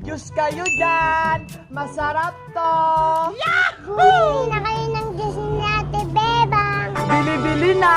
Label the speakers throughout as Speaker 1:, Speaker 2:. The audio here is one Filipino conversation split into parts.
Speaker 1: Diyos kayo dyan! Masarap to!
Speaker 2: Bumili na kayo ng Diyos ni Ate Bebang.
Speaker 1: Bili-bili na!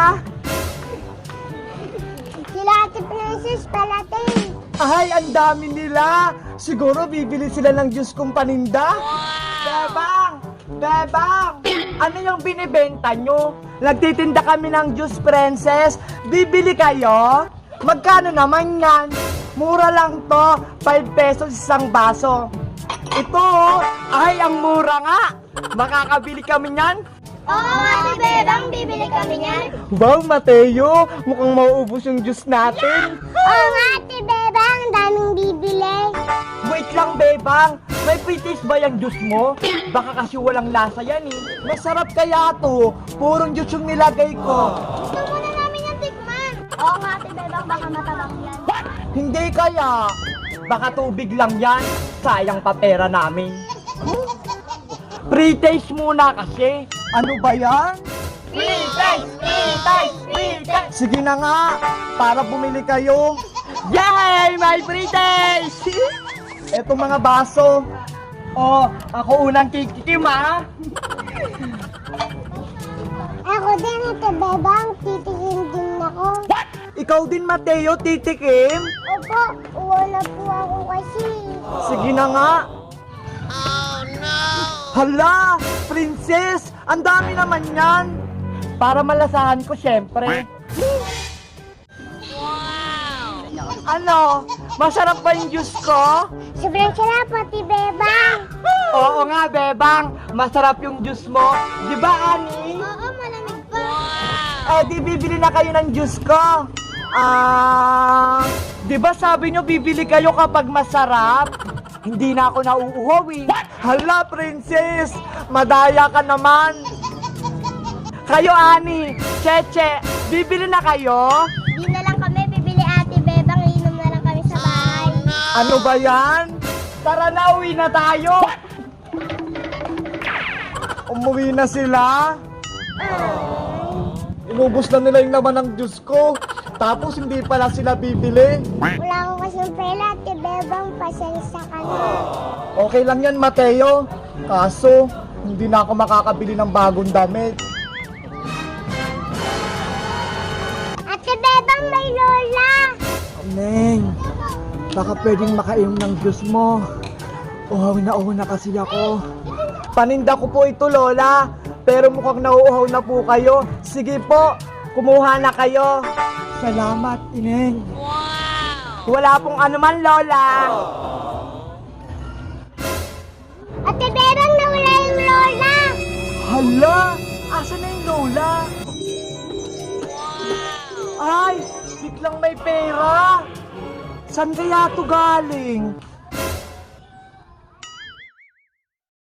Speaker 2: Sila Ate Princess palating.
Speaker 1: Ay, ang dami nila! Siguro bibili sila ng Diyos kong paninda? Bebang! Bebang! Ano yung binibenta nyo? Nagtitinda kami ng Diyos Princess. Bibili kayo? Magkano naman yan? Mura lang to. 5 pesos isang baso. Ito, ay ang mura nga. Makakabili kami niyan.
Speaker 2: Oo, Ate Bebang, bibili kami niyan.
Speaker 1: Wow, Mateo, mukhang mauubos yung juice natin.
Speaker 2: Oo nga, Ate Bebang, daming bibili.
Speaker 1: Wait lang, Bebang. May pre-taste ba yung juice mo? Baka kasi walang lasa yan eh. Masarap kaya to. Purong juice yung nilagay ko.
Speaker 2: Gusto muna namin yung tikman. Oo nga, Ate Bebang, baka matabang yan.
Speaker 1: Hindi kaya. Baka tubig lang yan. Sayang pa pera namin. Pre-taste muna kasi. Ano ba yan?
Speaker 2: Pre-taste! Pre-taste! Pre-taste!
Speaker 1: Sige na nga, para bumili kayo. Yay! May pre-taste! Eto mga baso. Oh, ako unang kikikim ha.
Speaker 2: Ako din, Ate Bebang, titikin din ako.
Speaker 1: Ikaw din, Mateo, titikim?
Speaker 2: Opo, wala po ako kasi.
Speaker 1: Sige na nga. Oh no! Hala! Princess! Ang dami naman yan! Para malasahan ko, syempre. Wow! Ano? Masarap ba yung juice ko?
Speaker 2: Sobrang sarap, Ate Bebang.
Speaker 1: Oo nga, Bebang. Masarap yung juice mo. Di ba, Ani?
Speaker 2: Oo, malamig pa.
Speaker 1: Eh, di bibili na kayo ng juice ko. Di ba sabi nyo bibili kayo kapag masarap? Hindi na ako nauuhaw eh. Hala, Princess! Madaya ka naman. Kayo, Ani, Cheche, bibili na kayo?
Speaker 2: Di na lang kami bibili, Ate Bebang. Inom na lang kami sa bahay.
Speaker 1: Ano ba yan? Tara na, uwi na tayo. Umuwi na sila. Inubos na nila yung laman ng Diyos ko. Tapos hindi pala sila bibili.
Speaker 2: Wala akong kasing pera, Ate Bebang. Pasensya ka na.
Speaker 1: Okay lang yan, Mateo. Kaso, hindi na ako makakabili ng bagong damit.
Speaker 2: Ate Bebang, may lola.
Speaker 1: Neng, baka pwedeng makainom ng Diyos mo. Uhaw na kasi ako. Paninda ko po ito, Lola. Pero mukhang nauuhaw na po kayo. Sige po, kumuha na kayo. Salamat, Ineng. Wow! Wala pong anuman, Lola.
Speaker 2: Ate Bebang, nawala yung lola.
Speaker 1: Hala! Asan na yung Lola? Ay! Biglang may pera! Saan kaya to galing?